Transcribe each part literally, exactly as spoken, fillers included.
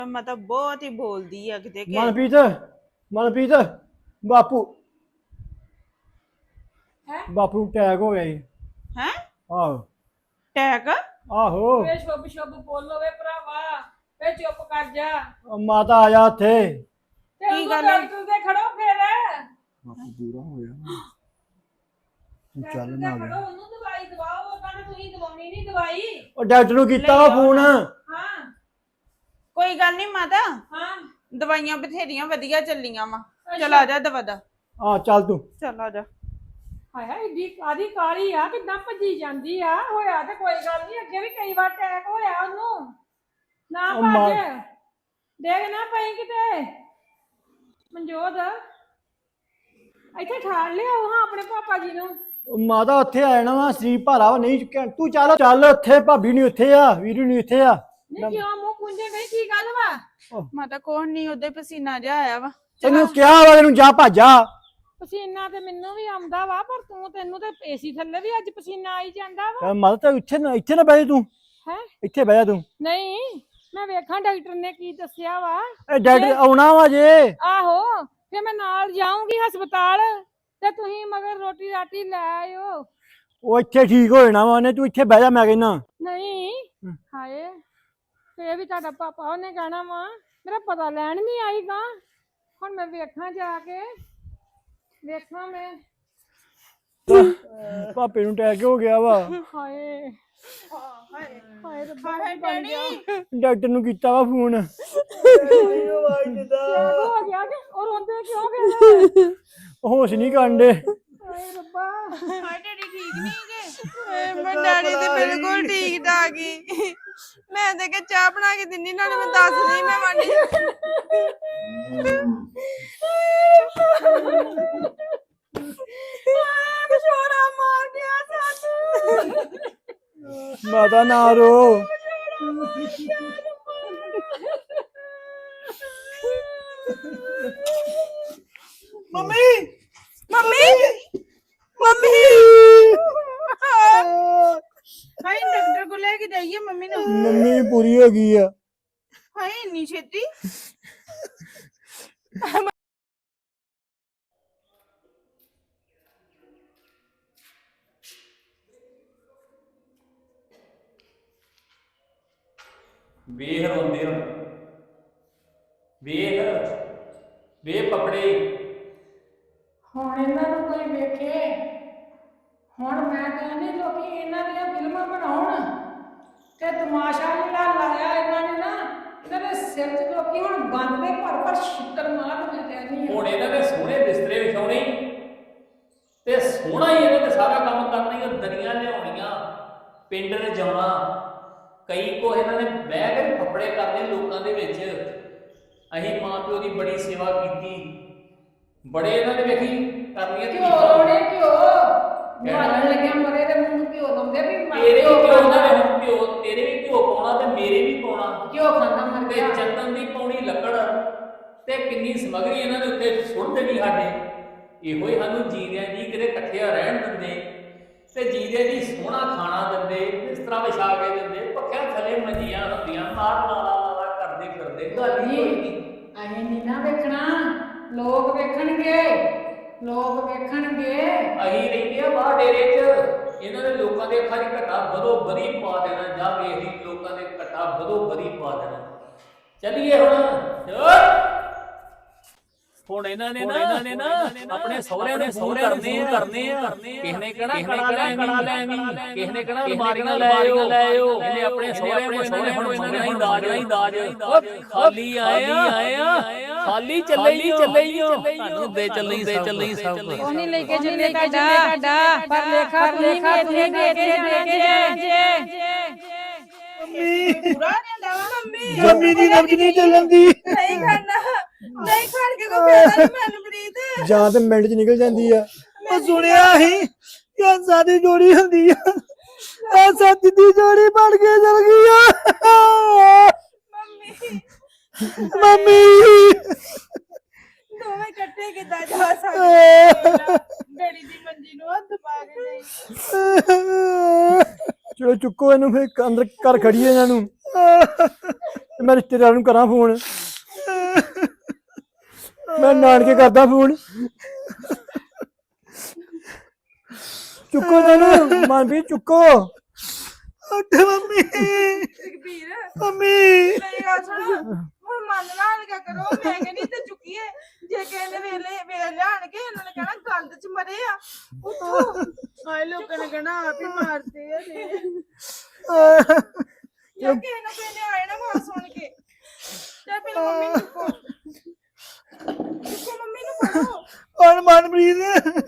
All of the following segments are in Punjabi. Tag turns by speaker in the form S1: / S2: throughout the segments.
S1: ਮਤਲਬ ਬਹੁਤ ਹੀ ਬੋਲਦੀ ਆ ਕਿਤੇ ਕਿ
S2: ਮਨਪ੍ਰੀਤ ਮਨਪ੍ਰੀਤ ਬਾਪੂ
S3: ਹੈ
S2: ਬਾਪੂ ਨੂੰ ਅਟੈਕ ਹੋ ਗਿਆ ਜੀ।
S1: ਹੈ
S2: ਆਹੋ
S1: ਟੈਕ
S2: ਆਹੋ
S3: ਵੇ ਸ਼ੁਭ ਸ਼ੁਭ ਬੋਲੋ ਵੇ ਭਰਾਵਾ ਵੇ ਚੁੱਪ ਕਰ ਜਾ
S2: ਉਹ ਮਾਤਾ ਆ ਜਾ ਉੱਥੇ।
S3: ਤੇ
S1: ਕੀ
S3: ਉਹ
S1: ਗੱਲ ਹੈ?
S3: ਡਾਕਟਰ ਦੇ ਖੜੋ ਫੇਰ
S2: ਬਾਪੂ ਪੂਰਾ ਹੋ ਗਿਆ ਤੂੰ
S3: ਡਾਕਟਰ
S2: ਚੱਲ
S3: ਦੇ
S2: ਨਾ
S3: ਖੜੋ ਉਹਨੂੰ ਦਵਾਈ ਦਵਾਓ ਉਹਨਾਂ ਨੇ ਤੁਸੀਂ ਦਵਾਉਣੀ ਨਹੀਂ ਦਵਾਈ
S2: ਉਹ ਡਾਕਟਰ ਨੂੰ ਕੀਤਾ ਵਾ ਫੋਨ।
S3: ਹਾਂ
S1: ਕੋਈ ਗੱਲ ਨਹੀਂ ਮਾਤਾ
S3: ਹਾਂ
S1: ਦਵਾਈਆਂ ਬਥੇਰੀਆਂ ਵਧੀਆ ਚੱਲੀਆਂ ਵਾ ਚਲ ਆ ਜਾ ਦਵਾ ਦਾ
S2: ਆ ਚੱਲ ਤੂੰ।
S1: ਚੱਲ ਆ ਜਾ
S3: ਹਾਏ ਹਾਏ ਏਡੀ ਕਾਦੀ ਕਾਲੀ ਆ ਕਿੱਦਾਂ ਭੱਜੀ ਜਾਂਦੀ ਆ ਹੋਇਆ ਤੇ ਕੋਈ ਗੱਲ ਨਹੀਂ ਅੱਗੇ ਵੀ ਕਈ ਵਾਰ ਅਟੈਕ ਹੋਇਆ ਉਹਨੂੰ ਨਾ
S2: ਉਹ ਮਾਂ-
S3: ਭੱਜ ਦੇਖ ਨਾ ਪਈ ਕਿਤੇ ਮਨਜੋਤ ਇੱਥੇ ਠਾਲ ਲਿਆਓ ਹਾਂ ਆਪਣੇ ਪਾਪਾ ਜੀ ਨੂੰ
S2: ਉਹ ਮਾਤਾ ਉੱਥੇ ਆ ਜਾਣਾ ਵਾ ਸਰੀਰ ਭਾਰਾ ਵਾ ਨਹੀਂ ਚੁੱਕਿਆ ਤੂੰ ਚੱਲ ਚੱਲ ਉੱਥੇ ਭਾਬੀ ਨਹੀਂ ਉੱਥੇ ਆ ਵੀਰੂ ਨਹੀਂ ਉੱਥੇ ਆ।
S3: ਨਹੀਂ ਕਿਉਂ ਮੂੰਹ ਪੁੰਝੇ ਗਈ ਕੀ ਗੱਲ ਵਾ
S1: ਮਾਤਾ ਕੋਣ ਨਹੀਂ ਉਹਦੇ ਪਸੀਨਾ ਜਾ ਆਇਆ ਵਾ
S2: ਤੈਨੂੰ ਕਿਹਾ ਵਾ ਤੈਨੂੰ ਜਾ ਭਾਜਾ।
S3: ਪਸੀਨਾ ਤੇ ਮੈਨੂੰ ਵੀ ਆਉਂਦਾ ਵਾ ਪਰ ਤੂੰ ਤੈਨੂੰ ਤੇ ਏਸੀ ਥੱਲੇ ਵੀ ਅੱਜ ਪਸੀਨਾ ਆਈ ਜਾਂਦਾ ਵਾ
S2: ਮਾਤਾ ਤਾਂ ਇੱਥੇ ਨਾ ਇੱਥੇ ਨਾ ਬਹਿ ਜਾ ਤੂੰ।
S3: ਹੈ
S2: ਇੱਥੇ ਬਹਿ ਜਾ ਤੂੰ।
S3: ਨਹੀਂ ਮੈਂ ਵੇਖਾਂ ਡਾਕਟਰ ਨੇ ਕੀ ਦੱਸਿਆ ਵਾ
S2: ਇਹ ਡਾਕਟਰ ਆਉਣਾ ਵਾ ਜੇ।
S3: ਆਹੋ ਫੇ ਮੈਂ ਨਾਲ ਜਾਊਂਗੀ ਹਸਪਤਾਲ ਤੇ ਤੁਸੀਂ ਮਗਰ ਰੋਟੀ ਰਾਟੀ ਲੈ ਆਇਓ
S2: ਉਹ ਇੱਥੇ ਠੀਕ ਹੋ ਜਾਣਾ ਵਾ ਉਹਨੇ ਤੂੰ ਇੱਥੇ ਬਹਿ ਜਾ ਮੈਂ ਕਹਿੰਦਾ।
S3: ਨਹੀਂ ਹਾਏ ਫੇ ਵੀ ਤੁਹਾਡਾ ਪਾਪਾ ਉਹਨੇ ਕਹਿਣਾ ਵਾ ਮੇਰਾ ਪਤਾ ਲੈਣ ਨਹੀਂ ਆਈਗਾ ਹੁਣ ਮੈਂ ਵੇਖਾਂ ਜਾ ਕੇ ਵੇਖਾਂ ਮੈਂ
S2: ਪਾਪੇ ਨੂੰ ਅਟੈਕ ਹੋ ਗਿਆ ਵਾ।
S3: ਹਾਏ
S1: ਹਾਏ
S3: ਹਾਏ ਰੱਬਾ
S1: ਹਾਏ
S3: ਕੀ ਬਣ ਗਿਆ
S1: ਡੈਡੀ
S2: ਡਾਕਟਰ ਨੂੰ ਕੀਤਾ ਵਾ ਫੋਨ।
S3: ਕਿਉਂ ਹੋ ਗਿਆ ਕਿ ਉਹ ਰੋਂਦੇ ਕਿਉਂ ਫਿਰ
S2: ਹੋਸ਼ ਨਹੀਂ ਕਾਂਡੇ।
S3: ਹਾਏ ਰੱਬਾ
S1: ਹਾਏ ਡੈਡੀ ਠੀਕ ਨਹੀਂ ਗੇ ਮੈਂ ਡੈਡੀ ਤੇ ਬਿਲਕੁਲ ਠੀਕ ਠਾਕ ਹੀ ਮੈਂ ਤੇ ਕਿ ਚਾਹ ਬਣਾ ਕੇ ਦਿੰਨੀ ਨਾਲੇ ਮੈਂ ਦੱਸਦੀ ਮੈਂ ਵਾਂਡੀ ਵਿਛੋੜਾ ਮਾਰ ਗਿਆ ਸਾਨੂੰ
S2: ਮਾਤਾ ਨਾ ਰੋ।
S1: ਮੰਮੀ ਮੰਮੀ ਮੰਮੀ ਹਾਏ ਡਾਕਟਰ ਕੋਲ ਲੈ ਕੇ ਜਾਈਏ ਮੰਮੀ ਨੂੰ
S2: ਮੰਮੀ ਪੂਰੀ ਹੋ ਗਈ ਆ।
S1: ਹਾਏ ਇੰਨੀ ਛੇਤੀ
S4: ਵੇਖ ਰੋਂਦੇ ਹੁਣ ਵੇਖ ਵੇ ਪਕੜੇ
S3: ਹੁਣ ਇਹਨਾਂ ਨੂੰ ਕੋਈ ਵੇਖੇ ਹੁਣ ਮੈਂ ਕਹਿੰਦੀ ਲੋਕੀ ਇਹਨਾਂ ਦੀਆਂ ਫਿਲਮਾਂ ਬਣਾਉਣ ਤੇ ਤਮਾਸ਼ਾ ਜਿਹੜਾ ਲਾਇਆ ਇਹਨਾਂ ਨੇ ਨਾ ਇਹਨਾਂ ਦੇ ਸਿਰ 'ਚ ਲੋਕੀ ਹੁਣ ਗੰਦ ਦੇ ਭਰ ਭਰ ਛਿੱਤਰ ਮਾਰ ਮੈਂ ਕਹਿੰਦੀ
S4: ਹੁਣ ਇਹਨਾਂ ਦੇ ਸੋਹਣੇ ਬਿਸਤਰੇ ਵਿਛਾਉਣੇ ਤੇ ਸੋਹਣਾ ਹੀ ਇਹਨਾਂ ਤੇ ਸਾਰਾ ਕੰਮ ਕਰਨਾ ਹੀ ਦਰੀਆਂ ਲਿਆਉਣੀਆਂ ਪਿੰਡ ਰਜਾਉਣਾ ਕਈ ਕੋ ਇਹਨਾਂ ਨੇ ਬਹਿ ਕੇ ਕੱਪੜੇ ਕਰਨੇ ਲੋਕਾਂ ਦੇ ਵਿੱਚ ਅਸੀਂ ਮਾਂ ਪਿਓ ਦੀ ਬੜੀ ਸੇਵਾ ਕੀਤੀ ਬੜੇ ਇਹਨਾਂ ਨੇ ਵੇਖੀ ਕਰਨੀਆਂ
S3: ਘਿਓ ਲਾਉਣੇ ਘਿਓ ਮਾਰਨ ਲੱਗਿਆ ਮਰੇ ਦੇ ਮੂੰਹ ਨੂੰ ਘਿਓ ਲਾਉਂਦੇ ਵੀ ਮਰ
S4: ਤੇਰੇ
S3: ਘਿਓ
S4: ਵੀ ਘਿਓ ਦਾ
S3: ਖਾਂਦਾ
S4: ਹੁਣ ਘਿਓ ਤੇਰੇ ਵੀ ਘਿਓ ਪਾਉਣਾ ਤੇ ਮੇਰੇ ਵੀ ਪਾਉਣਾ
S3: ਘਿਓ ਖਾਂਦਾ ਮਰ
S4: ਤੇ
S3: ਗਿਆ
S4: ਚੰਦਨ ਦੀ ਪੌਣੀ ਲੱਕੜ ਤੇ ਕਿੰਨੀ ਸਮਗਰੀ ਇਹਨਾਂ ਦੇ ਉੱਤੇ ਸੁੱਟ ਦੇਣੀ ਸਾਡੇ ਇਹੋ ਹੀ ਸਾਨੂੰ ਜੀਰਿਆਂ ਜੀ ਕਿਤੇ ਇਕੱਠਿਆ ਰਹਿਣ ਦਿੰਦੇ ਤੇ ਜੀਰੇ ਦੀ ਸੋਹਣਾ ਖਾਣਾ ਦਿੰਦੇ ਇਸ ਤਰ੍ਹਾਂ ਵਿਛਾ ਕੇ ਦਿੰਦੇ ਪੱਖਿਆਂ ਥੱਲੇ ਮੰਜੀਆਂ ਹੁੰਦੀਆਂ ਮਾਰ ਲਾਲਾ ਲਾਲਾ ਕਰਦੇ ਫਿਰਦੇ ਗੱਲ ਹੀ ਕੋਈ ਨਹੀਂ
S3: ਅਸੀਂ ਨਹੀਂ ਨਾ ਵੇਖਣਾ ਲੋਕ ਵੇਖਣਗੇ ਲੋਕ ਵੇਖਣਗੇ
S4: ਅਸੀਂ ਰਹਿੰਦੇ ਆ ਬਾਹਰ ਡੇਰੇ 'ਚ ਇਹਨਾਂ ਦੇ ਲੋਕਾਂ ਦੇ ਅੱਖਾਂ 'ਚ ਘਟਾ ਬਦੋ ਬਰੀ ਪਾ ਦੇਣਾ ਜਾਂ ਵੇਖੀ ਲੋਕਾਂ ਦੇ ਘਟਾ ਬਦੋ ਬਰੀ ਪਾ ਦੇਣਾ ਚੱਲੀਏ ਹੁਣ ਚਲ ਹੁਣ ਇਹਨਾਂ ਨੇ ਨਾ ਇਹਨਾਂ ਨੇ ਨਾ ਆਪਣੇ ਸਹੁਰਿਆਂ ਦੇ ਸਹੁਰਿਆਂ ਕਰਨੇ ਕਰਨੇ ਆ ਕਿਸੇ ਨੇ ਕਹਣਾ ਕੜਾ ਲੈ ਕੜਾ ਲੈ ਕਿਸੇ ਨੇ ਕਹਣਾ ਅਲਮਾਰੀਆਂ ਲੈ ਆਇਓ ਲੈ ਆਇਓ ਇਹਨੇ ਆਪਣੇ ਸਹੁਰਿਆਂ ਕੋਲ ਇਹਨਾਂ ਨੇ ਹੁਣ ਇਹਨਾਂ ਨੇ ਦਾਜ ਨਹੀਂ ਦਾਜ ਖਾਲੀ ਆਏ ਆ ਆਏ ਆ ਖਾਲੀ ਚੱਲੇ ਹੀ ਚੱਲੇ ਹੀ ਤੁਹਾਨੂੰ ਦੇ ਚੱਲੇ ਦੇ ਚੱਲੇ ਹੀ ਸਭ ਕੁਝ
S3: ਉਹ ਨਹੀਂ ਲੈ ਕੇ ਚੱਲੇ ਤੁਹਾਡਾ ਪਰ ਲੇਖਾ ਲੇਖਾ ਇੱਥੇ ਦੇ ਕੇ ਜੇ
S1: ਪੂਰਾ ਜਾਂਦਾ ਵਾ ਮੰਮੀ
S2: ਮੰਮੀ ਦੀ ਨਬਜ ਨਹੀਂ ਚੱਲਣ ਦੀ।
S1: ਨਹੀਂ ਖਾਣਾ ਨਹੀਂ ਖਾਣ ਕੇ ਕੋ ਫਾਇਦਾ ਨਹੀਂ ਮਨਪ੍ਰੀਤ
S2: ਜਾਂ ਤੇ ਮਿੰਟ ਚ ਨਿਕਲ ਜਾਂਦੀ ਆ। ਉਹ ਸੁਣਿਆ ਸੀ ਕਿ ਸਾਡੀ ਜੋੜੀ ਹੁੰਦੀ ਆ ਇਹ ਸੱਚ ਦੀ ਜੋੜੀ ਬਣ ਕੇ ਚਲ ਗਈ ਆ।
S1: ਮੰਮੀ
S2: ਮੰਮੀ
S1: ਦੋਵੇਂ ਇਕੱਠੇ ਕਿੱਦਾਂ ਜਾ ਸਕਦੇ ਡੈਡੀ ਦੀ ਮੰਜੀ ਨੂੰ ਹੱਥ ਪਾ ਕੇ ਨਹੀਂ
S2: ਚਲੋ ਚੁੱਕੋ ਇਹਨੂੰ ਫੇਰ ਅੰਦਰ ਘਰ ਖੜੀਏ ਇਹਨਾਂ ਨੂੰ। ਤੇ ਮੈਂ ਰਿਸ਼ਤੇਦਾਰ ਨੂੰ ਕਰਾਂ ਫੋਨ। ਮੈਂ ਨਾਨਕੇ ਕਰਦਾ ਫੋਨ। ਚੁੱਕੋ ਮੈਨੂੰ ਮਨਪ੍ਰੀਤ ਚੁੱਕੋ। ਉੱਠ ਮੰਮੀ।
S1: ਜਗਬੀਰ
S2: ਮੰਮੀ
S1: ਮੇਰੀ ਗੱਲ ਸੁਣ ਹੁਣ ਮਨ ਨਾਲ ਕਿਆ ਕਰੋ ਮੈਂ ਕਹਿੰਦੀ ਤੇ ਚੁੱਕੀਏ ਜੇ ਕਿਸੇ ਨੇ ਵੇਲੇ ਵੇਲੇ ਲਿਆਣ ਕੇ ਇਹਨਾਂ ਨੇ ਕਹਿਣਾ ਗੰਦ ਚ ਮਰੇ ਆ ਉੱਠੋ ਹਾਏ ਲੋਕਾਂ ਨੇ ਕਹਿਣਾ ਆਪ ਹੀ ਮਾਰਦੇ ਆ ਜੇ ਯਾ ਕਿਸੇ ਨਾ ਕਿਸੇ ਨੇ ਆਏ ਨਾ ਮਾਰ ਸੁਣ ਕੇ ਤੇ ਪਹਿਲਾਂ ਮੰਮੀ ਨੂੰ ਚੁੱਕੋ ਚੁੱਕੋ ਮੰਮੀ ਨੂੰ ਫੜੋ
S2: ਔਰ ਮਨਪ੍ਰੀਤ।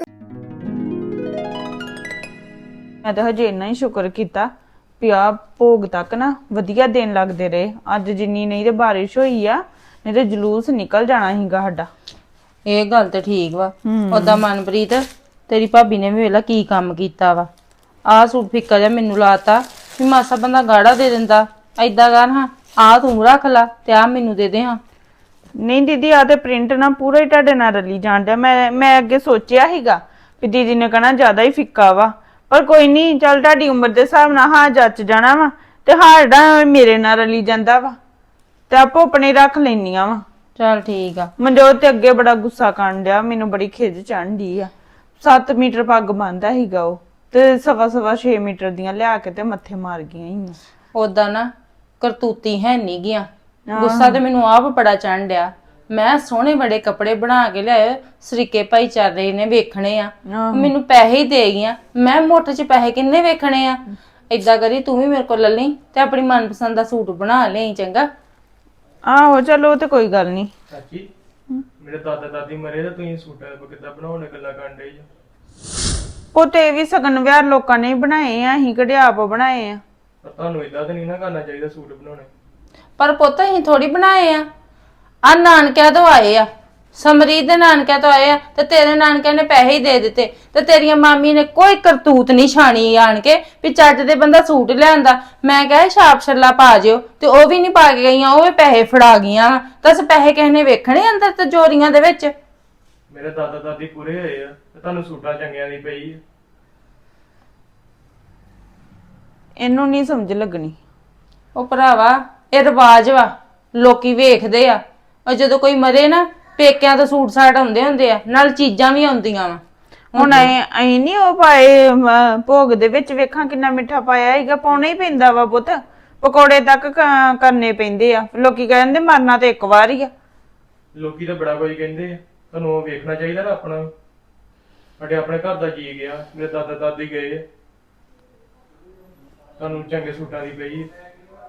S5: ਮੈਂ ਤਾਂ ਹਜੇ ਇੰਨਾ ਹੀ ਸ਼ੁਕਰ ਕੀਤਾ ਵੀ ਆ ਭੋਗ ਤੱਕ ਨਾ ਵਧੀਆ ਦਿਨ ਲੱਗਦੇ ਰਹੇ। ਅੱਜ ਜਿੰਨੀ ਨਹੀਂ ਤੇ ਬਾਰਿਸ਼ ਹੋਈ ਆ ਨਹੀਂ ਤੇ ਜਲੂਸ ਨਿਕਲ ਜਾਣਾ ਸੀਗਾ ਸਾਡਾ।
S6: ਇਹ ਗੱਲ ਤੇ ਠੀਕ ਵਾ। ਓਦਾਂ ਮਨਪ੍ਰੀਤ ਤੇਰੀ ਭਾਬੀ ਨੇ ਵੀ ਵੇਲਾ ਕੀ ਕੰਮ ਕੀਤਾ ਵਾ। ਆਹ ਸੂਟ ਫਿੱਕਾ ਜਿਹਾ ਮੈਨੂੰ ਲਾਤਾ ਵੀ ਮਾਸਾ ਬੰਦਾ ਗਾੜਾ ਦੇ ਦਿੰਦਾ। ਏਦਾਂ ਕਰ ਹਾਂ ਆਹ ਤੂੰ ਰੱਖ ਲਾ ਤੇ ਆਹ ਮੈਨੂੰ ਦੇ ਦੇ ਹਾਂ।
S5: ਨਹੀਂ ਦੀਦੀ ਆ ਤੇ ਪ੍ਰਿੰਟ ਨਾ ਪੂਰਾ ਹੀ ਤੁਹਾਡੇ ਨਾਲ ਰਲੀ ਜਾਣ ਡਿਆ। ਮੈਂ ਮੈਂ ਅੱਗੇ ਸੋਚਿਆ ਸੀਗਾ ਵੀ ਦੀਦੀ ਨੇ ਕਹਿਣਾ ਜ਼ਿਆਦਾ ਹੀ ਫਿੱਕਾ ਵਾ ਪਰ ਕੋਈ ਨਹੀਂ ਚੱਲ ਤੁਹਾਡੀ ਉਮਰ ਦੇ ਹਿਸਾਬ ਨਾਲ ਹਾਂ ਜੱਚ ਜਾਣਾ ਵਾ ਤੇ ਹਾੜਾ ਮੇਰੇ ਨਾਲ ਰਲੀ ਜਾਂਦਾ ਵਾ ਤੇ ਆਪੋ ਆਪਣੇ ਰੱਖ ਲੈਣੀਆਂ ਵਾ।
S6: ਚੱਲ ਠੀਕ ਆ।
S5: ਮਨਜੋਤ ਤੇ ਅੱਗੇ ਬੜਾ ਗੁੱਸਾ ਕਰਨ ਡਿਆ ਮੈਨੂੰ ਬੜੀ ਖਿਜ ਚੜ੍ਹਦੀ ਆ। ਸੱਤ ਮੀਟਰ ਪੱਗ ਬੰਨਦਾ ਸੀਗਾ ਉਹ ਤੇ ਸਵਾ ਸਵਾ ਛੇ ਮੀਟਰ ਦੀਆਂ ਲਿਆ ਕੇ ਤੇ ਮੱਥੇ ਮਾਰ ਗਈਆਂ ਹੀ।
S6: ਓਦਾਂ ਨਾ ਕਰਤੂਤੀ ਹੈ ਨਹੀਂ ਗਿਆ। ਗੁੱਸਾ ਤੇ ਮੈਨੂੰ ਆਪ ਬੜਾ ਚੜ੍ਹਨ ਡਿਆ। ਮੈਂ ਸੋਹਣੇ ਬੜੇ ਕੱਪੜੇ ਬਣਾ ਕੇ ਲਿਆਏ ਸਰੀਕੇ ਭਾਈਚਾਰੇ ਨੇ ਵੇਖਣੇ ਆ ਮੈਨੂੰ ਪੈਸੇ ਹੀ ਦੇ ਗਈਆਂ। ਮੈਂ ਮੁੱਠ 'ਚ ਪੈਸੇ ਕਿੰਨੇ ਵੇਖਣੇ ਆ। ਏਦਾਂ ਕਰੀ ਤੂੰ ਵੀ ਮੇਰੇ ਕੋਲ ਲੈ ਲਈ ਤੇ ਆਪਣੀ ਮਨਪਸੰਦ ਦਾ ਸੂਟ ਬਣਾ ਲਈ ਚੰਗਾ।
S5: ਆਹੋ ਚਲੋ ਤੇ ਕੋਈ ਗੱਲ ਨਹੀਂ।
S7: ਚਾਚੀ ਮੇਰੇ ਦਾਦਾ ਦਾਦੀ ਮਰੇ ਤਾਂ ਤੁਸੀਂ ਸੂਟਾਂ ਕਿੱਦਾਂ ਬਣਾਉਣੇ ਗੱਲਾਂ ਕਰਨ ਡੇ ਜੀ।
S5: ਉਹ ਤੇ ਵੀ ਸਗਨ ਵਿਆਹ ਲੋਕਾਂ ਨੇ ਬਣਾਏ ਆ ਅਸੀਂ ਕਿਹੜੇ ਆਪ ਬਣਾਏ ਆ।
S7: ਪਰ ਤੁਹਾਨੂੰ ਇਦਾਂ ਤਾਂ ਨਹੀਂ ਨਾ ਕਰਨਾ ਚਾਹੀਦਾ ਸੂਟ ਬਣਾਉਣੇ।
S6: ਪਰ ਪੁੱਤ ਅਸੀਂ ਥੋੜੀ ਬਣਾਏ ਆ। ਆ ਨਾਨਕਿਆਂ ਤੋਂ ਆਏ ਆ। ਸਮਰੀਤ ਦੇ ਨਾਨਕਿਆਂ ਤੋਂ ਆਏ ਆ ਤੇ ਤੇਰੇ ਨਾਨਕਿਆਂ ਨੇ ਪੈਸੇ ਹੀ ਦੇ ਦਿੱਤੇ ਤੇ ਤੇਰੀਆਂ ਮਾਮੀ ਨੇ ਕੋਈ ਕਰਤੂਤ ਨਹੀਂ ਛਾਣੀ ਆਣ ਕੇ ਵੀ ਚੱਜ ਦੇ ਬੰਦਾ ਸੂਟ ਲਿਆਂਦਾ। ਮੈਂ ਕਿਹਾ ਛਾਪ ਛੱਲਾ ਪਾ ਜਿਓ ਤੇ ਉਹ ਵੀ ਨਹੀਂ ਪਾ ਕੇ ਗਈਆਂ। ਉਹ ਵੀ ਪੈਸੇ ਫੜਾ ਗਈਆਂ। ਦੱਸ ਪੈਸੇ ਕਿਸੇ ਨੇ ਵੇਖਣੇ ਅੰਦਰ ਤਿਜੋਰੀਆਂ ਦੇ ਵਿੱਚ।
S7: ਮੇਰੇ ਦਾਦਾ ਦਾਦੀ ਪੂਰੇ ਹੋਏ ਆ ਤੇ ਤੁਹਾਨੂੰ ਸੂਟਾਂ ਚੰਗਿਆਂ ਦੀ ਪਈ ਆ।
S5: ਇਹਨੂੰ ਨਹੀਂ ਸਮਝ ਲੱਗਣੀ।
S6: ਉਹ ਭਰਾਵਾ ਇਹ ਰਿਵਾਜ ਵਾ ਲੋਕੀ ਵੇਖਦੇ ਆ। ਉਹ ਜਦੋਂ ਕੋਈ ਮਰੇ ਨਾ ਪੇਕਿਆਂ ਤੋਂ ਸੂਟ ਸਾਟ ਆਉਂਦੇ ਹੁੰਦੇ ਆ ਨਾਲ ਚੀਜ਼ਾਂ ਵੀ ਆਉਂਦੀਆਂ ਵਾ।
S5: ਹੁਣ ਐ ਐ ਨਹੀਂ ਉਹ ਪਾਏ ਅਮ, ਭੋਗ ਦੇ ਵਿੱਚ ਵੇਖਾਂ ਕਿੰਨਾ ਮਿੱਠਾ ਪਾਇਆ ਹੈਗਾ। ਪਾਉਣਾ ਹੀ ਪੈਂਦਾ ਵਾ ਪੁੱਤ। ਪਕੌੜੇ ਤੱਕ ਕ- ਕਰਨੇ ਪੈਂਦੇ ਆ। ਲੋਕੀ ਕਹਿੰਦੇ ਮਰਨਾ ਤੇ ਇੱਕ ਵਾਰ ਹੀ ਆ।
S7: ਲੋਕੀ ਤਾਂ ਬੜਾ ਕੁਝ ਕਹਿੰਦੇ ਆ। ਤੁਹਾਨੂੰ ਉਹ ਵੇਖਣਾ ਚਾਹੀਦਾ ਨਾ ਆਪਣਾ। ਸਾਡੇ ਆਪਣੇ ਘਰ ਦਾ ਜੀ ਗਿਆ। ਮੇਰੇ ਦਾਦਾ ਦਾਦੀ ਗਏ ਆ। ਤੁਹਾਨੂੰ ਚੰਗੇ ਸੂਟਾਂ ਦੀ ਪਈ ਆ।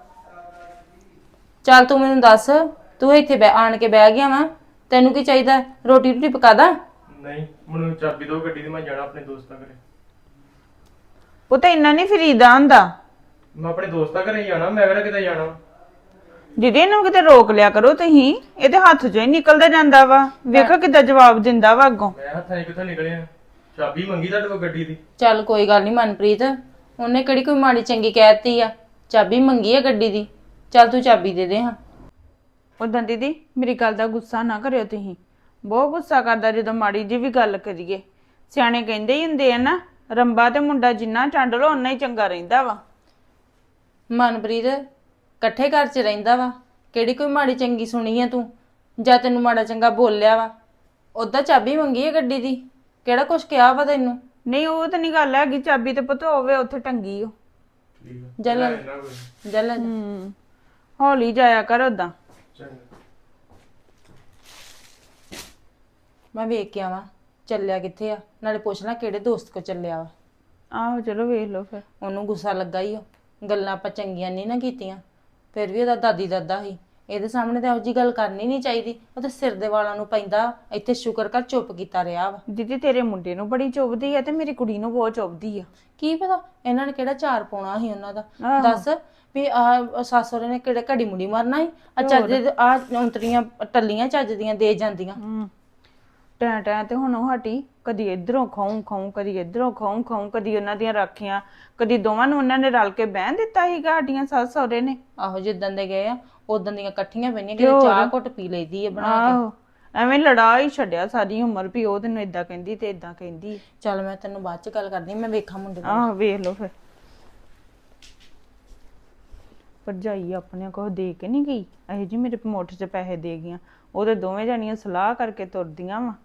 S6: ਚੱਲ ਤੂੰ ਮੈਨੂੰ ਦੱਸ ਤੂੰ ਇੱਥੇ ਬੈ ਆਣ ਕੇ ਬਹਿ ਗਿਆ ਵਾ ਤੈਨੂੰ ਕੀ ਚਾਹੀਦਾ? ਰੋਟੀ ਰੋਟੀ ਪਕਾ ਦਾਂ?
S7: ਨਹੀਂ ਮੈਨੂੰ ਚਾਬੀ ਦਿਓ ਗੱਡੀ ਦੀ ਮੈਂ ਜਾਣਾ ਆਪਣੇ ਦੋਸਤਾਂ ਘਰੇ।
S5: ਪੁੱਤ ਇੰਨਾ ਨਹੀਂ ਫਰੀਦਾ ਹੁੰਦਾ।
S7: ਮੈਂ ਆਪਣੇ ਦੋਸਤਾਂ ਘਰੇ ਹੀ ਜਾਣਾ। ਮੈਂ ਕਿਹੜਾ ਕਿਤੇ ਜਾਣਾ।
S5: ਦੀਦੀ ਇਹਨੂੰ ਕਿਤੇ ਰੋਕ ਲਿਆ ਕਰੋ ਤੁਸੀਂ। ਇਹਦੇ ਹੱਥ ਚੋਂ ਹੀ ਨਿਕਲਦਾ ਜਾਂਦਾ ਵਾ। ਵੇਖੋ ਕਿੱਦਾਂ ਜਵਾਬ ਦਿੰਦਾ ਵਾ ਅੱਗੋਂ।
S7: ਮੈਂ ਹੱਥਾਂ 'ਚ ਕਿੱਥੋਂ ਨਿਕਲਿਆ। ਚਾਬੀ ਮੰਗੀ ਤੁਹਾਡੇ ਕੋਲ ਗੱਡੀ ਦੀ।
S6: ਚੱਲ ਕੋਈ ਗੱਲ ਨਹੀਂ ਮਨਪ੍ਰੀਤ ਉਹਨੇ ਕਿਹੜੀ ਕੋਈ ਮਾੜੀ ਚੰਗੀ ਕਹਿਤੀ ਆ। ਚਾਬੀ ਮੰਗੀ ਆ ਗੱਡੀ ਦੀ। ਚੱਲ ਤੂੰ ਚਾਬੀ ਦੇ ਦੇ ਹਾਂ।
S5: ਉਦਾਂ ਦੀਦੀ ਮੇਰੀ ਗੱਲ ਦਾ ਗੁੱਸਾ ਨਾ ਕਰਿਓ ਤੁਸੀਂ। ਬਹੁਤ ਗੁੱਸਾ ਕਰਦਾ ਜਦੋਂ ਮਾੜੀ ਜੀ ਵੀ ਗੱਲ ਕਰੀਏ। ਸਿਆਣੇ ਕਹਿੰਦੇ ਹੀ ਹੁੰਦੇ ਆ ਨਾ ਰੰਬਾ ਤੇ ਮੁੰਡਾ ਜਿੰਨਾ ਚੰਡ ਲੋ ਓਨਾ ਹੀ ਚੰਗਾ ਰਹਿੰਦਾ ਵਾ।
S6: ਮਨਪ੍ਰੀਤ ਇਕੱਠੇ ਘਰ 'ਚ ਰਹਿੰਦਾ ਵਾ ਕਿਹੜੀ ਕੋਈ ਮਾੜੀ ਚੰਗੀ ਸੁਣੀ ਆ ਤੂੰ ਜਾਂ ਤੈਨੂੰ ਮਾੜਾ ਚੰਗਾ ਬੋਲਿਆ ਵਾ। ਉਦਾਂ ਚਾਬੀ ਮੰਗੀ ਆ ਗੱਡੀ ਦੀ ਕਿਹੜਾ ਕੁਛ ਕਿਹਾ ਵਾ ਤੈਨੂੰ?
S5: ਨਹੀਂ ਉਹ ਤਾਂ ਨਹੀਂ ਗੱਲ ਹੈਗੀ। ਚਾਬੀ ਤੇ ਪੁੱਤ ਹੋਵੇ ਉੱਥੇ ਟੰਗੀ ਓ।
S6: ਜਲ
S7: ਇੰਨਾ ਕੋਈ
S6: ਜਲ
S5: ਹੂੰ ਹੌਲੀ ਜਾਇਆ ਕਰ ਓਦਾਂ।
S7: ਚੰਗਾ।
S6: ਮੈਂ ਵੇਖ ਕੇ ਆਵਾਂ ਚੱਲਿਆ ਕਿੱਥੇ ਆ ਨਾਲੇ ਪੁੱਛ ਲੈ ਕਿਹੜੇ ਦੋਸਤ ਕੋ ਚੱਲਿਆ ਵਾ।
S5: ਆਹੋ ਚਲੋ ਵੇਖ ਲਓ ਫਿਰ।
S6: ਉਹਨੂੰ ਗੁੱਸਾ ਲੱਗਾ ਹੀ ਉਹ ਗੱਲਾਂ ਆਪਾਂ ਚੰਗੀਆਂ ਨਹੀਂ ਨਾ ਕੀਤੀਆਂ। ਫਿਰ ਵੀ ਉਹਦਾ ਦਾਦੀ ਦਾਦਾ ਸੀ। ਇਹਦੇ ਸਾਹਮਣੇ ਤਾਂ ਇਹੋ ਜਿਹੀ ਗੱਲ ਕਰਨੀ ਨਹੀਂ ਚਾਹੀਦੀ। ਉਹ ਤਾਂ ਸਿਰ ਦੇ ਵਾਲਾਂ ਨੂੰ ਪੈਂਦਾ। ਇੱਥੇ ਸ਼ੁਕਰ ਕਰ ਚੁੱਪ ਕੀਤਾ ਰਿਹਾ ਵਾ।
S5: ਦੀਦੀ ਤੇਰੇ ਮੁੰਡੇ ਨੂੰ ਬੜੀ ਚੁੱਭਦੀ ਆ ਤੇ ਮੇਰੀ ਕੁੜੀ ਨੂੰ ਬਹੁਤ ਚੁੱਭਦੀ ਆ।
S6: ਕੀ ਪਤਾ ਇਹਨਾਂ ਨੇ ਕਿਹੜਾ ਚਾਰ ਪਾਉਣਾ ਸੀ ਉਹਨਾਂ ਦਾ।
S5: ਆਹੋ।
S6: ਦੱਸ ਵੀ ਆ ਸੱਸੋਰੇ ਨੇ ਕਿਹੜੇ ਘੜੀ ਮੁੜੀ ਮਰਨਾ ਸੀ। ਆ ਚੱਜ ਆ ਔਂਤਰੀਆਂ ਟੱਲੀਆਂ ਚੱਜ ਦੀਆਂ ਦੇ ਜਾਂਦੀਆਂ।
S5: ਹੂੰ ਟੈਂ ਟੈਂ ਤੇ ਹੁਣ ਉਹ ਹਟੀ। ਕਦੀ ਇਧਰੋਂ ਖਾਉਂ ਖਾਉਂ ਕਦੀ ਇਧਰੋਂ ਖਾਉਂ ਖਾਉਂ ਕਦੀ ਉਹਨਾਂ ਦੀਆਂ ਰਾਖੀਆਂ ਕਦੀ ਦੋਵਾਂ ਨੂੰ ਉਹਨਾਂ ਨੇ ਰਲ ਕੇ ਬਹਿਣ ਦਿੱਤਾ ਸੀਗਾ ਸਾਡੀਆਂ ਸੱਸ ਸਹੁਰੇ ਨੇ।
S6: ਆਹੋ ਜਿੱਦਣ ਦੇ ਗਏ ਆ ਉਦੋਂ ਦੀਆਂ ਇਕੱਠੀਆਂ ਪਈਆਂ ਕਿਤੇ ਚਾਹ ਘੁੱਟ ਪੀ ਲਈਦੀ ਆ ਬਣਾ ਕੇ।
S5: ਆਹੋ ਐਵੇਂ ਲੜਾ ਹੀ ਛੱਡਿਆ ਸਾਰੀ ਉਮਰ ਵੀ ਉਹ ਤੈਨੂੰ ਏਦਾਂ ਕਹਿੰਦੀ ਤੇ ਏਦਾਂ ਕਹਿੰਦੀ।
S6: ਚੱਲ ਮੈਂ ਤੈਨੂੰ ਬਾਅਦ ਚ ਗੱਲ ਕਰਦੀ। ਮੈਂ ਵੇਖਾਂ ਮੁੰਡੇ ਨੂੰ।
S5: ਆਹ ਵੇਖ ਲਓ ਫਿਰ। ਭਰਜਾਈ ਆਪਣੇ ਕੋਲ ਦੇ ਕੇ ਨਹੀਂ ਗਈ ਇਹ ਜੀ ਮੇਰੇ ਮੁੱਠ 'ਚ ਪੈਸੇ ਦੇ ਗਈਆਂ ਉਹਦੇ ਦੋਵੇਂ ਜਣੀਆਂ ਸਲਾਹ ਕਰਕੇ ਤੁਰਦੀਆਂ ਵਾ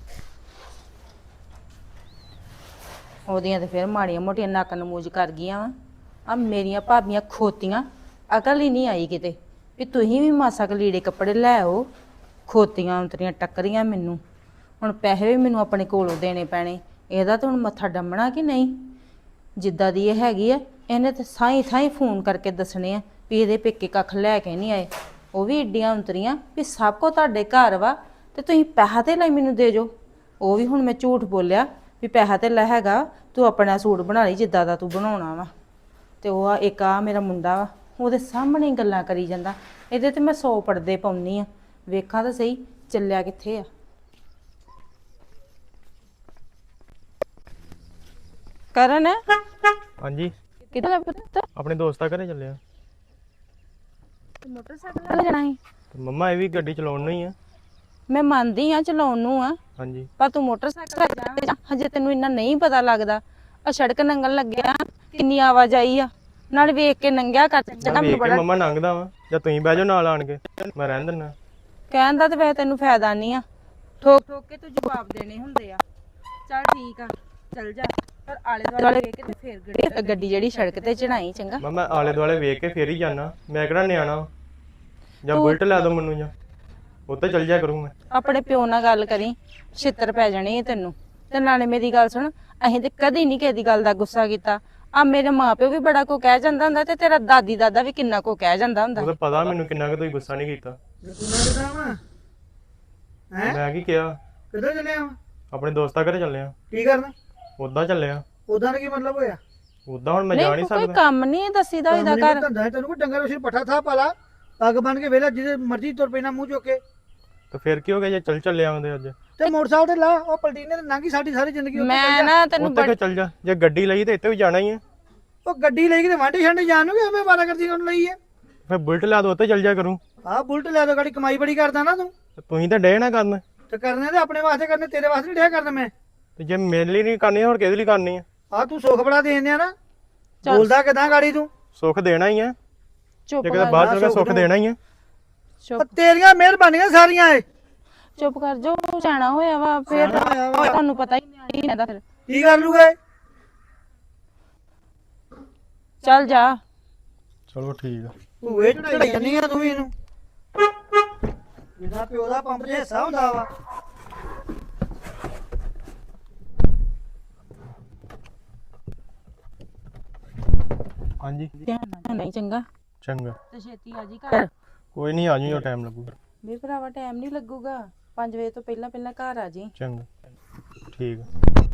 S6: ਉਹਦੀਆਂ ਤੇ ਫਿਰ ਮਾੜੀਆਂ ਮੋਟੀਆਂ ਨੱਕ ਨਮੂਜ ਕਰ ਗਈਆਂ ਵਾ ਆ ਮੇਰੀਆਂ ਭਾਬੀਆਂ ਖੋਤੀਆਂ ਅਕਲ ਹੀ ਨਹੀਂ ਆਈ ਕਿਤੇ ਵੀ ਤੁਸੀਂ ਵੀ ਮਾਸਾ ਕੁ ਲੀੜੇ ਕੱਪੜੇ ਲੈ ਆਓ ਖੋਤੀਆਂ ਉਤਰੀਆਂ ਟੱਕਰੀਆਂ ਮੈਨੂੰ ਹੁਣ ਪੈਸੇ ਵੀ ਮੈਨੂੰ ਆਪਣੇ ਕੋਲੋਂ ਦੇਣੇ ਪੈਣੇ ਇਹਦਾ ਤਾਂ ਹੁਣ ਮੱਥਾ ਡੰਮਣਾ ਕਿ ਨਹੀਂ ਜਿੱਦਾਂ ਦੀ ਇਹ ਹੈਗੀ ਆ ਇਹਨੇ ਤੇ ਸਾਈ ਥਾਈ ਫੋਨ ਕਰਕੇ ਦੱਸਣੇ ਆ ਵੀ ਇਹਦੇ ਪੇਕੇ ਕੱਖ ਲੈ ਕੇ ਨਹੀਂ ਆਏ ਉਹ ਵੀ ਏਡੀਆਂ ਉਤਰੀਆਂ ਵੀ ਸਭ ਕੋ ਤੁਹਾਡੇ ਘਰ ਵਾ ਤੇ ਤੁਸੀਂ ਪੈਸਾ ਤੇ ਲਈ ਮੈਨੂੰ ਦੇ ਜੋ ਉਹ ਵੀ ਹੁਣ ਮੈਂ ਝੂਠ ਬੋਲਿਆ ਵੀ ਪੈਸਾ ਤੇ ਲੈ ਹੈਗਾ ਤੂੰ ਆਪਣਾ ਸੂਟ ਬਣਾ ਲਈ ਜਿੱਦਾਂ ਦਾ ਤੂੰ ਬਣਾਉਣਾ ਵਾ ਤੇ ਉਹ ਆ ਇੱਕ ਆ ਮੇਰਾ ਮੁੰਡਾ ਵਾ ਉਹਦੇ ਸਾਹਮਣੇ ਹੀ ਗੱਲਾਂ ਕਰੀ ਜਾਂਦਾ ਇਹਦੇ ਤੇ ਮੈਂ ਸੌ ਪੜਦੇ ਪਾਉਣੀ ਆ ਵੇਖਾਂ ਤਾਂ ਸਹੀ ਚੱਲਿਆ ਕਿੱਥੇ ਆ ਕਰਨ
S7: ਹਾਂਜੀ
S6: ਕਿੱਥੇ ਪੁੱਤ
S7: ਆਪਣੇ ਦੋਸਤਾਂ ਘਰੇ ਚੱਲੇ ਆ
S6: ਮੋਟਰਸਾਈਕਲ ਲੈ ਜਾਣਾ ਸੀ
S7: ਤੇ ਮੰਮਾ ਇਹ ਵੀ ਗੱਡੀ ਚਲਾਉਣ ਨੂੰ ਹੀ ਆ
S6: ਮੈਂ ਮੰਨਦੀ ਆ ਚਲਾਉਣ ਨੂੰ ਆ
S7: ਹਾਂਜੀ
S6: ਪਰ ਤੂੰ ਮੋਟਰਸਾਈਕਲ ਲੈ ਜਾ ਹਜੇ ਤੈਨੂੰ ਇੰਨਾ ਨਹੀਂ ਪਤਾ ਲੱਗਦਾ ਆ ਸੜਕ ਨੰਗਣ ਲੱਗਿਆ ਕਿੰਨੀ ਆਵਾਜਾਈ ਆ ਨਾਲ ਵੇਖ ਕੇ ਨੰਗਿਆ ਕਰ
S7: ਮੈਂ
S6: ਚੰਗਾ
S7: ਵੇਖ
S6: ਮੈਨੂੰ
S7: ਕੇ
S6: ਬੜਾ
S7: ਮੰਮਾ ਲੰਘਦਾ ਵਾ ਜਾਂ ਤੁਸੀਂ ਬਹਿ ਜਾਓ ਨਾਲ ਆਣ ਕੇ ਮੈਂ ਰਹਿਣ ਦਿੰਦਾ
S6: ਕਹਿਣ ਦਾ ਤੇ ਵੈਸੇ ਤੈਨੂੰ ਫਾਇਦਾ ਨਹੀਂ ਆ ਠੋਕ ਠੋਕ ਕੇ ਤੂੰ ਜਵਾਬ ਦੇਣੇ ਹੁੰਦੇ ਆ ਚੱਲ ਠੀਕ ਆ ਚੱਲ ਜਾ ਪਰ ਆਲੇ ਦੁਆਲੇ ਵੇਖ ਕੇ ਤੇ ਫੇਰ ਗੱਡੀ ਗੱਡੀ ਜਿਹੜੀ ਸੜਕ ਤੇ ਚੜਾਈ ਚੰਗਾ
S7: ਮੈਂ ਮੈਂ ਆਲੇ ਦੁਆਲੇ ਵੇਖ ਕੇ ਫੇਰ ਹੀ ਜਾਣਾ ਮੈਂ ਕਿਹੜਾ ਨਿਆਣਾ ਵਾਂ। ਜਾਂ ਬੁਲਟ ਲੈ ਦੋ ਮੈਨੂੰ ਜਾਂ ਉੱਤੇ ਚੱਲ ਜਾ ਕਰੂੰ ਮੈਂ
S6: ਆਪਣੇ ਪਿਓ ਨਾਲ ਗੱਲ ਕਰੀ ਛਿੱਤਰ ਪੈ ਜਾਣੇ ਆ ਤੈਨੂੰ ਤੇ ਨਾਲੇ ਮੇਰੀ ਗੱਲ ਸੁਣ ਅਸੀਂ ਤੇ ਕਦੀ ਨਹੀਂ ਕਿਸੇ ਦੀ ਗੱਲ ਦਾ ਗੁੱਸਾ ਕੀਤਾ ਆ ਮੇਰੇ ਮਾਪਿਓ ਵੀ ਬੜਾ ਕੋ ਕਹਿ ਜਾਂਦਾ ਹੁੰਦਾ ਤੇ ਤੇਰਾ ਦਾਦੀ ਦਾਦਾ ਵੀ ਕਿੰਨਾ ਕੋ ਕਹਿ ਜਾਂਦਾ ਹੁੰਦਾ
S7: ਉਹਦਾ ਪਤਾ ਮੈਨੂੰ ਕਿੰਨਾ ਕੁ ਤੁਸੀਂ ਗੁੱਸਾ ਨਹੀਂ ਕੀਤਾ ਮੈਂ ਕੀ ਕਿਹਾ
S2: ਕਿੱਧਰ ਚੱਲੇ ਆ
S7: ਆਪਣੇ ਦੋਸਤਾਂ ਘਰੇ ਚੱਲੇ ਆ
S2: ਕੀ ਕਰਨਾ
S7: ਉਦਾਂ ਚੱਲੇ ਆ
S2: ਉਦਾਂ ਦਾ ਕੀ ਮਤਲਬ ਹੋਇਆ
S7: ਉਦਾਂ ਹੁਣ ਮੈਂ ਜਾ ਨਹੀਂ
S6: ਨਹੀਂ ਕੋਈ
S7: ਸਕਦਾ
S6: ਕੰਮ ਨਹੀਂ ਦੱਸੀਦਾ ਇਹਦਾ ਘਰ
S2: ਧੰਦਾ ਤੈਨੂੰ ਕੋਈ ਡੰਗਰ ਉਸੇ ਪੱਠਾ ਥਾ ਪਾਲਾ ਪੱਗ ਬਣ ਕੇ ਵੇਲਾ ਜਿਹਦੇ ਮਰਜ਼ੀ ਤੁਰ ਪੈਣਾ ਮੂੰਹ ਚੁੱਕ ਕੇ
S7: ਤੇ ਫਿਰ ਕੀ ਹੋ ਗਿਆ ਜੇ ਚੱਲ ਚੱਲੇ ਆਉਂਦੇ ਅੱਜ
S2: ਤੇ ਮੋਟਰਸਾਈਕਲ ਤੇ ਲਾ ਉਹ ਪਲਟੀਨੇ ਤੇ ਲੰਘੀ ਸਾਡੀ ਸਾਰੀ ਜ਼ਿੰਦਗੀ ਉੱਤੇ ਚੱਲ
S6: ਮੈਂ
S2: ਜਾ।
S6: ਨਾ ਤੈਨੂੰ
S7: ਉੱਤੇ ਕਿ ਚੱਲ ਜਾ ਜੇ ਗੱਡੀ ਲਈ ਤੇ ਇੱਥੇ ਵੀ ਜਾਣਾ ਹੀ ਹੈ
S2: ਉਹ ਗੱਡੀ ਲੈ ਕੇ ਤੇ ਵਾਂਢੇ ਛਾਂਡੇ ਜਾਣ ਨੂੰ ਕਿ ਐਵੇਂ ਵਾਰਾ ਕਰਦੀ ਉਹਨੂੰ ਲਈ ਹੈ
S7: ਫਿਰ ਬੁਲਟ ਲਾ ਦੋ ਉੱਤੇ ਚੱਲ ਜਾ ਕਰੂੰ
S2: ਆਹ ਬੁਲਟ ਲੈ ਦੋ ਗਾੜੀ ਕਮਾਈ ਬੜੀ ਕਰਦਾ ਨਾ ਤੂੰ
S7: ਤੇ ਤੁਸੀਂ ਤਾਂ ਡੇ ਨਾ ਕਰਨ
S2: ਤੇ ਕਰਨੇ ਤੇ ਆਪਣੇ ਵਾਸਤੇ ਕਰਨੇ ਤੇਰੇ ਵਾਸਤੇ ਨਹੀਂ ਡਿਆ ਕਰਨਾ ਮੈਂ
S7: ਤੇ ਜੇ ਮੇਰੇ ਲਈ ਨਹੀਂ ਕਰਨੀ ਹੋਰ ਕਿਹਦੇ ਲਈ ਕਰਨੀ ਆ
S2: ਆਹ ਤੂੰ ਸੁੱਖ ਬੜਾ ਦੇਣ ਦਿਆ ਨਾ ਬੋਲਦਾ ਕਿਦਾਂ ਗਾੜੀ ਤੂੰ
S7: ਸੁੱਖ ਦੇਣਾ ਹੀ ਆ
S6: ਚੁੱਪ
S7: ਜੇ ਕਿਤੇ
S6: ਕਰ
S7: ਬਾਹਰ ਚਲ ਗਿਆ ਸੁੱਖ ਦੇਣਾ ਹੀ ਆ
S6: ਚੁੱਪ
S2: ਉਹ ਤੇਰੀਆਂ ਮਿਹਰਬਾਨੀਆਂ ਸਾਰੀਆਂ ਏ
S6: ਚੁੱਪ ਕਰ ਜੋ ਜਾਣਾ ਹੋਇਆ ਵਾ ਫਿਰ ਤੁਹਾਨੂੰ ਪਤਾ ਹੀ ਨਹੀਂ ਰਹਿੰਦਾ ਫਿਰ
S2: ਕੀ ਕਰ ਲੂਗਾ ਇਹ?
S6: ਚੱਲ ਜਾ
S7: ਚਲੋ ਠੀਕ ਆ
S2: ਭੂਏ ਚੜਾਈ ਜਾਨੀ ਆ ਤੂੰ ਵੀ ਇਹਨੂੰ ਜਿੱਦਾਂ ਪਿਓ ਦਾ ਪੰਪ 'ਚ ਹਿੱਸਾ ਹੁੰਦਾ ਵਾ
S7: ਹਾਂਜੀ
S6: ਧਿਆਨ ਨਾਲ ਨਹੀਂ ਚੰਗਾ
S7: ਚੰਗਾ
S6: ਤੇ ਛੇਤੀ ਆ ਜੀ ਘਰ
S7: ਕੋਈ ਨਹੀਂ ਆ ਜਾਈਓ ਟਾਈਮ ਲੱਗੂਗਾ
S6: ਵੀ ਭਰਾਵਾ ਟਾਈਮ ਨਹੀਂ ਲੱਗੂਗਾ ਪੰਜ ਵਜੇ ਤੋਂ ਪਹਿਲਾਂ ਪਹਿਲਾਂ ਘਰ ਆ ਜੀ
S7: ਚੰਗਾ ਠੀਕ ਆ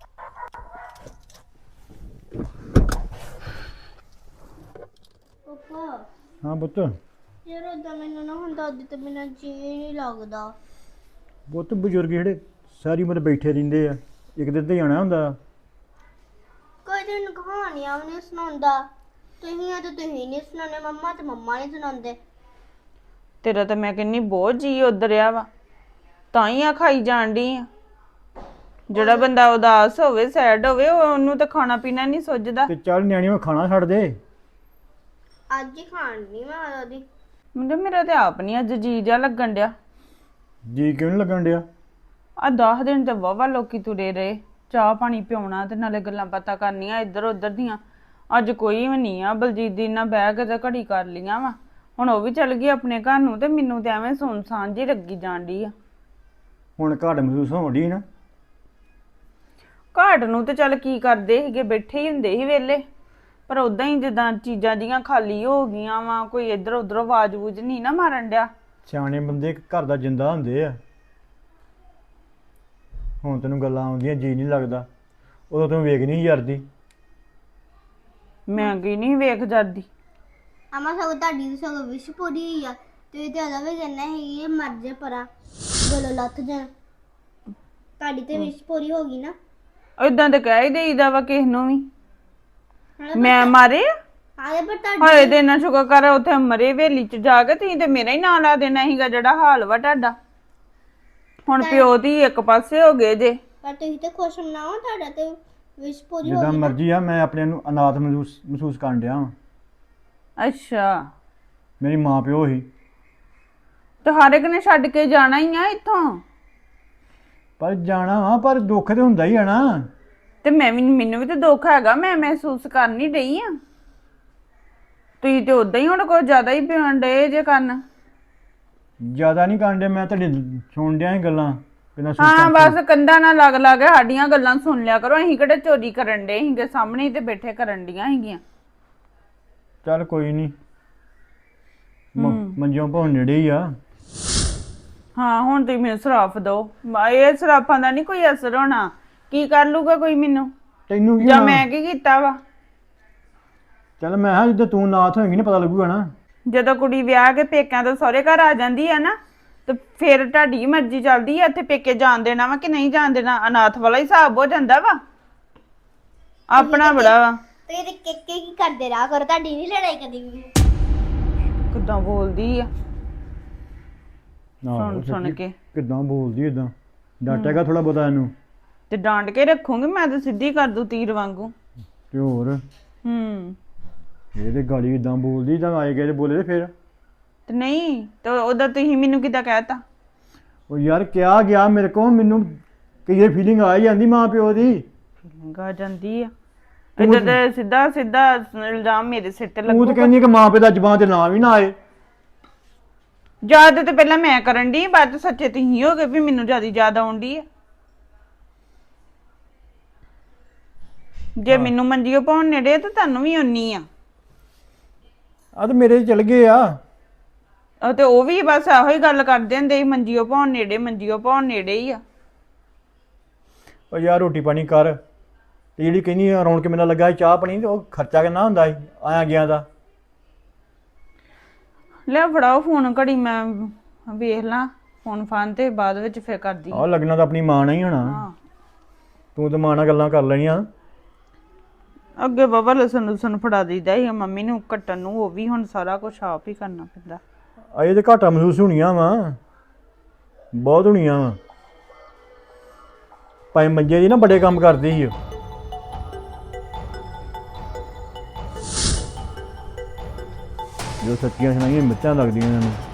S8: ਪਾਪਾ
S2: ਹਾਂ ਪੁੱਤ
S8: ਯਾਰ ਓਦਾਂ ਮੈਨੂੰ ਨਾ ਹੁਣ ਦਾਦੀ ਤੇ ਬਿਨਾਂ ਜੀ ਨਹੀਂ ਲੱਗਦਾ
S2: ਪੁੱਤ ਬਜ਼ੁਰਗ ਜਿਹੜੇ ਸਾਰੀ ਉਮਰ ਬੈਠੇ ਰਹਿੰਦੇ ਆ ਇੱਕ ਦਿਨ ਤੇ ਜਾਣਾ ਹੁੰਦਾ
S8: ਕੋਈ ਦਿਨ ਕਹਾਣੀਆਂ ਵੀ ਨਹੀਂ ਸੁਣਾਉਂਦਾ ਤੁਸੀਂ ਆ ਤੇ ਤੁਸੀਂ ਨਹੀਂ ਸੁਣਾਉਂਦੇ ਮੰਮਾ ਤੇ ਮੰਮਾ ਨਹੀਂ ਸੁਣਾਉਂਦੇ
S5: ਤੇਰਾ ਤਾਂ ਮੈਂ ਕਹਿੰਨੀ ਬਹੁਤ ਜੀ ਉਧਰਿਆ ਵਾ ਤਾਂ ਹੀ ਆ ਖਾਈ ਜਾਣ ਡਈ ਆ ਜਿਹੜਾ ਬੰਦਾ ਉਦਾਸ ਹੋਵੇ ਸੈਡ ਹੋਵੇ ਉਹ- ਉਹਨੂੰ ਤਾਂ ਖਾਣਾ ਪੀਣਾ ਨਹੀਂ ਸੁੱਝਦਾ
S2: ਤੇ ਚੱਲ ਨਿਆਣੀ ਮੈਂ ਖਾਣਾ ਛੱਡ ਦੇ
S8: ਅੱਜ ਹੀ ਖਾਣ ਨਹੀਂ ਮੈਂ ਦਾਦੀ
S5: ਮੁੰਡੇ ਮੇਰਾ ਤੇ ਆਪ ਨਹੀਂ ਅੱਜ ਜੀ ਜਿਹਾ ਲੱਗਣ ਡਿਆ
S2: ਜੀ ਕਿਉਂ ਨੀ ਲੱਗਣ ਡਿਆ
S5: ਆ ਦਸ ਦਿਨ ਤੇ ਵਾਵਾ ਲੋਕੀ ਤੁਰੇ ਰਹੇ ਚਾਹ ਪਾਣੀ ਪਿਉਣਾ ਤੇ ਨਾਲੇ ਗੱਲਾਂ ਬਾਤਾਂ ਕਰਨੀਆਂ ਇੱਧਰ ਉੱਧਰ ਦੀਆਂ ਅੱਜ ਕੋਈ ਵੀ ਨਹੀਂ ਆ ਬਲਜੀਤ ਦੀ ਨਾਲ ਬਹਿ ਕੇ ਤੇ ਘੜੀ ਕਰ ਲੀਆਂ ਵਾ ਹੁਣ ਉਹ ਵੀ ਚੱਲ ਗਈ ਆਪਣੇ ਘਰ ਨੂੰ ਤੇ ਮੈਨੂੰ ਤੇ ਐਵੇਂ ਸੁਨਸਾਨ ਜੀ ਲੱਗੀ ਜਾਣ ਡਈ ਆ
S2: ਹੁਣ ਘਾਟ ਮਹਿਸੂਸ ਹੋਣ ਡਈ ਨਾ
S5: ਘਾਟ ਨੂੰ ਤੇ ਚੱਲ ਕੀ ਕਰਦੇ ਸੀਗੇ ਬੈਠੇ ਹੀ ਹੁੰਦੇ ਸੀ ਵੇਲੇ ਪਰ ਉਦਾਂ ਹੀ ਜਿੱਦਾਂ ਚੀਜ਼ਾਂ ਜੀਆਂ ਖਾਲੀ ਹੋ ਗਈਆਂ ਵਾ ਕੋਈ ਇੱਧਰ ਉੱਧਰ ਆਵਾਜ਼ ਵੂਜ ਨਹੀਂ ਨਾ ਮਾਰਨ ਡਿਆ
S2: ਸਿਆਣੇ ਬੰਦੇ ਘਰ ਦਾ ਜਿੰਦਾ ਹੁੰਦੇ ਆ ਹੁਣ ਤੈਨੂੰ ਗੱਲਾਂ ਆਉਂਦੀਆਂ ਜੀ ਨਹੀਂ ਲੱਗਦਾ ਉਦੋਂ ਤੂੰ ਵੇਖ ਨਹੀਂ ਯਾਰਦੀ
S5: ਮੈਂ ਕੀ ਨਹੀਂ ਵੇਖ ਜਾਂਦੀ
S8: ਅਮਾ ਸਗੋਂ ਤੁਹਾਡੀ ਵੀ ਸਗੋਂ ਵਿਸ਼ ਪੂਰੀ ਹੋਈ ਆ ਤੇ ਤੇ ਉਹਦਾ ਵੀ ਕਹਿੰਦਾ ਹੈ ਇਹ ਮਰ ਜੇ ਪਰਾਂ ਗਲੋਂ ਲੱਥ ਜਾਣ ਤੁਹਾਡੀ ਤੇ ਵਿਸ਼ ਪੂਰੀ ਹੋ ਗਈ ਨਾ
S5: ਇਦਾਂ ਤੇ ਕਹਿ ਹੀ ਦੇਈਦਾ ਵਾ ਕਿਸ ਨੂੰ ਵੀ ਮੈਂ ਮਾਰੇ
S8: ਆਲੇ ਪਰ ਤੁਹਾਡੀ
S5: ਹਾਏ ਤੇ ਨਾ ਸ਼ੁਕਰ ਕਰ ਉੱਥੇ ਮਰੇ ਵੇਲੀ ਚ ਜਾ ਕੇ ਤੁਸੀਂ ਤੇ ਮੇਰਾ ਹੀ ਨਾਂ ਲਾ ਦੇਣਾ ਸੀਗਾ ਜਿਹੜਾ ਹਾਲ ਵਾ ਤੁਹਾਡਾ ਹੁਣ ਪਿਓ ਦੀ ਇੱਕ ਪਾਸੇ ਹੋ ਗਏ ਜੇ
S8: ਪਰ ਤੁਸੀਂ ਤੇ ਖੁਸ਼ ਨਾ ਹੋ ਤੁਹਾਡਾ ਤੇ ਵਿਸ਼ ਪੂਰੀ ਹੋ
S2: ਜਿੱਦਾਂ
S8: ਗਈ ਨਾ।
S2: ਮਰਜ਼ੀ ਆ ਮੈਂ ਆਪਣੇ ਨੂੰ ਅਨਾਥ ਮਹਿਸੂਸ ਮਹਿਸੂਸ ਕਰਨ ਡਿਆ ਵਾਂ
S5: ਅੱਛਾ
S2: ਮੇਰੀ ਮਾਂ ਪਿਓ ਹੀ।
S5: ਤੇ ਹਰ ਇੱਕ ਨੇ ਛੱਡ ਕੇ ਜਾਣਾ ਹੀ ਆ ਇੱਥੋਂ।
S2: ਪਰ ਜਾਣਾ ਵਾ, ਪਰ ਦੁੱਖ ਤੇ ਹੁੰਦਾ ਹੀ ਆ ਨਾ।
S5: ਤੇ ਮੈਂ ਵੀ ਮੈਨੂੰ ਵੀ ਤੇ ਦੁੱਖ ਹੈਗਾ, ਮੈਂ ਮਹਿਸੂਸ ਕਰ ਨਹੀਂ ਰਹੀ ਆ। ਤੁਸੀਂ ਤੇ ਉਦਾਂ ਹੀ ਹੁਣ ਕੋਈ ਜ਼ਿਆਦਾ ਹੀ ਪਿਆਣ ਡਏ ਜੇ ਕਰਨ।
S2: ਜ਼ਿਆਦਾ ਨਹੀਂ ਕਾਂਡੇ, ਮੈਂ ਤੁਹਾਡੀ ਸੁਣ ਡਿਆ ਸੀ ਗੱਲਾਂ ਬਿਨਾਂ
S5: ਹਾਂ
S2: ਸੋਚਾਂ।
S5: ਬਸ ਕੰਧਾਂ ਨਾਲ ਲੱਗ ਲੱਗ ਸਾਡੀਆਂ ਗੱਲਾਂ ਸੁਣ ਲਿਆ ਕਰੋ। ਅਸੀਂ ਕਿਹੜੇ ਚੋਰੀ ਕਰਨ ਡੇ ਸੀਗੇ, ਸਾਹਮਣੇ ਹੀ ਤੇ ਬੈਠੇ ਕਰਨ ਡੀਆਂ ਸੀਗੀਆਂ।
S2: ਚੱਲ ਕੋਈ ਨਹੀਂ, ਮੰਜੋਂ ਭਾਉ ਨੇੜੇ ਹੀ ਆ।
S5: ਹਾਂ ਹੁਣ ਤੁਸੀਂ ਮੈਨੂੰ ਸਰਾਫ ਦਿਓ, ਇਹ ਸਰਾਫਾਂ ਦਾ ਨਹੀਂ ਕੋਈ ਅਸਰ ਹੋਣਾ। ਕੀ ਕਰ ਲੂਗਾ ਕੋਈ ਮੈਨੂੰ,
S2: ਤੈਨੂੰ ਕੀ
S5: ਜਾਂ
S2: ਹੋਣਾ?
S5: ਮੈਂ ਕੀ ਕੀਤਾ ਵਾ?
S2: ਚੱਲ ਮੈਂ ਕਿਹਾ ਜਿੱਦਾਂ ਤੂੰ ਨਾਥ ਹੋਏਗੀ ਨਾ ਪਤਾ ਲੱਗੂਗਾ ਨਾ।
S5: ਜਦੋਂ ਕੁੜੀ ਵਿਆਹ ਕੇ ਪੇਕਿਆਂ ਤੋਂ ਸਹੁਰੇ ਘਰ ਆ ਜਾਂਦੀ ਆ ਨਾ, ਤੇ ਫਿਰ ਤੁਹਾਡੀ ਮਰਜ਼ੀ ਚੱਲਦੀ ਆ ਇੱਥੇ ਪੇਕੇ ਜਾਣ ਦੇਣਾ ਵਾ ਕਿ ਨਹੀਂ ਜਾਣ ਦੇਣਾ। ਅਨਾਥ ਵਾਲਾ ਹਿਸਾਬ ਹੋ ਜਾਂਦਾ ਵਾ, ਆਪਣਾ ਬੜਾ ਵਾ।
S8: ਤੇ ਇਹਦੇ ਕਿੱਕੇ ਕੀ ਕਰਦੇ ਰਹਾ ਕਰੋ, ਤੁਹਾਡੀ ਨਹੀਂ ਲੜਾਈ ਕਦੀ ਵੀ।
S5: ਕਿੱਦਾਂ ਬੋਲਦੀ ਆ
S2: ਆਹੋ,
S5: ਸੁਣ ਸੁਣ
S2: ਸੱਚੀ
S5: ਕੇ।
S2: ਕਿੱਦਾਂ ਬੋਲਦੀ ਏਦਾਂ, ਡਾਟੇਗਾ ਥੋੜਾ ਬਹੁਤਾ ਇਹਨੂੰ।
S5: ਤੇ ਡਾਂਟ ਕੇ ਰੱਖੂਗੀ ਮੈਂ, ਤੇ ਸਿੱਧੀ ਕਰ ਦੂ ਤੀਰ ਵਾਂਗੂ।
S2: ਤੇ ਹੋਰ
S5: ਹੂੰ
S2: ਇਹ ਤੇ ਗਾਲੀ ਇਦਾਂ ਬੋਲਦੀ, ਤਾਂ ਆਏ ਗਏ ਤੇ ਬੋਲੇ ਤੇ ਫਿਰ।
S5: ਤੇ ਨਹੀਂ ਤੇ ਉਹਦਾ ਤੁਸੀਂ ਮੈਨੂੰ ਕਿੱਦਾਂ ਕਹਿਤਾ?
S2: ਉਹ ਯਾਰ ਕਿਹਾ ਗਿਆ ਮੇਰੇ ਕੋਲ, ਮੈਨੂੰ ਕਈ ਫੀਲਿੰਗ ਆ ਹੀ ਜਾਂਦੀ ਮਾਂ ਪਿਓ ਦੀ।
S5: ਫੀਲਿੰਗ ਆ ਜਾਂਦੀ ਆ ਇੱਧਰ ਤੇ ਸਿੱਧਾ ਸਿੱਧਾ ਇਲਜ਼ਾਮ ਮੇਰੇ ਸਿਰ ਤੇ
S2: ਤੂੰ ਤਾਂ
S5: ਲੱਗੂਗਾ।
S2: ਕਹਿੰਦੀ ਕਿ ਮਾਂ ਪਿਓ ਦਾ ਜ਼ਬਾਨ ਤੇ ਨਾਂ ਵੀ ਨਾ ਆਏ।
S5: ਯਾਦ ਤੇ ਪਹਿਲਾਂ ਮੈਂ ਕਰਨ ਦੀ, ਬਾਅਦ ਚ ਸੱਚੇ ਤੁਸੀਂ ਹੋ ਗਏ ਵੀ ਮੈਨੂੰ ਜਿਆਦਾ ਯਾਦ ਆਉਣ ਦੀ ਆ। ਜੇ ਮੈਨੂੰ ਮੰਜੀਓ ਪਾਉਣ ਨੇੜੇ ਤੇ ਤੁਹਾਨੂੰ ਵੀ ਉਨੀ ਆ।
S2: ਆ ਤੇ ਮੇਰੇ ਚਲ ਗਏ ਆ।
S5: ਉਹ ਤੇ ਉਹ ਵੀ ਬਸ ਇਹੋ ਹੀ ਗੱਲ ਕਰਦੇ ਹੁੰਦੇ ਸੀ, ਮੰਜੀਓ ਪਾਉਣ ਨੇੜੇ ਮੰਜੀਓ ਪਾਉਣ ਨੇੜੇ ਹੀ ਆ।
S2: ਉਹ ਯਾਰ ਰੋਟੀ ਪਾਣੀ ਕਰ, ਤੇ ਜਿਹੜੀ ਕਹਿੰਦੀ ਰੌਣ ਕੇ ਮੇਰਾ ਲੱਗਾ ਸੀ ਚਾਹ ਪਾਣੀ, ਤੇ ਉਹ ਖਰਚਾ ਕਿੰਨਾ ਹੁੰਦਾ ਸੀ ਆਇਆ ਗਿਆ ਦਾ।
S5: ਲੈ ਫੜਾਓ ਫੋਨ, ਘੜੀ ਮੈਂ ਵੇਖ ਲਾਂ ਫੋਨ ਫਾਨ ਤੇ ਬਾਅਦ ਵਿੱਚ ਫਿਰ ਕਰਦੀ।
S2: ਆਹ ਲੱਗਣਾ ਤਾਂ ਆਪਣੀ ਮਾਂ ਨਾਲ ਹੀ ਹੋਣਾ।
S5: ਹਾਂ
S2: ਤੂੰ ਤਾਂ ਮਾਂ ਨਾਲ ਗੱਲਾਂ ਕਰ ਲੈਣੀਆਂ।
S5: ਅੱਗੇ ਬਾਬਾ ਲਸਣ ਲੁਸਣ ਫੜਾ ਦਈਦਾ ਸੀ ਮੰਮੀ ਨੂੰ ਕੱਟਣ ਨੂੰ, ਉਹ ਵੀ ਹੁਣ ਸਾਰਾ ਕੁਝ ਆਪ ਹੀ ਕਰਨਾ ਪੈਂਦਾ।
S2: ਅਜੇ ਤੇ ਘਾਟਾ ਮਹਿਸੂਸ ਹੋਣੀਆਂ ਵਾ, ਬਹੁਤ ਹੋਣੀਆਂ ਵਾ। ਭਾਈ ਮੰਜੇ ਦੀ ਨਾ ਬੜੇ ਕੰਮ ਕਰਦੀ ਸੀ ਉਹ। ਜੋ ਸੱਚੀਆਂ ਸੁਣਾਈਆਂ ਮਿੱਠਾਂ ਲੱਗਦੀਆਂ ਇਹਨਾਂ ਨੂੰ।